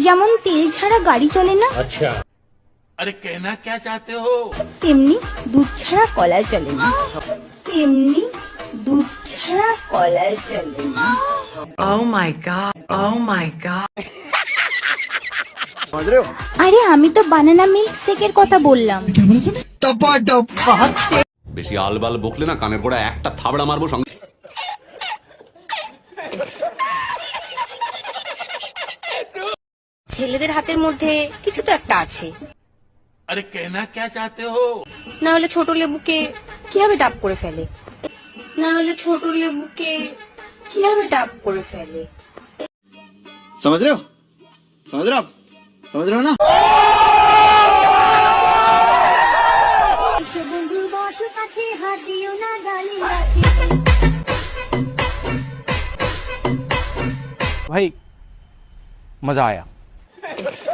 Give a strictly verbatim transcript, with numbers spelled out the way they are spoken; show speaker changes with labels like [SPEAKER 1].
[SPEAKER 1] যেমন তেল ছাড়া গাড়ি চলে না,
[SPEAKER 2] আচ্ছা
[SPEAKER 3] अरे कहना क्या चाहते हो?
[SPEAKER 1] তেমনি দুধ ছাড়া কলা চলে না, তেমনি দুধ ছাড়া কলা চলে না।
[SPEAKER 4] Oh my god. Oh my god.
[SPEAKER 1] আরে আমি তো বানানা মিল্ক শেকের কথা বললাম।
[SPEAKER 5] বেশি আলবাল বকলে না কানের গোড়া একটা থাবড়া মারবো সঙ্গে।
[SPEAKER 6] ছেলেদের হাতের মধ্যে কিছু তো একটা আছে,
[SPEAKER 3] अरे कहना क्या चाहते हो?
[SPEAKER 6] না হলে ছোট লেবুকে কিভাবে ডাব করে ফেলে, না হলে ছোট লেবুকে কিভাবে ডাব করে ফেলে।
[SPEAKER 7] समझ रहे हो समझ रहे हो आप समझ रहे हो ना?
[SPEAKER 8] भाई मजा आया।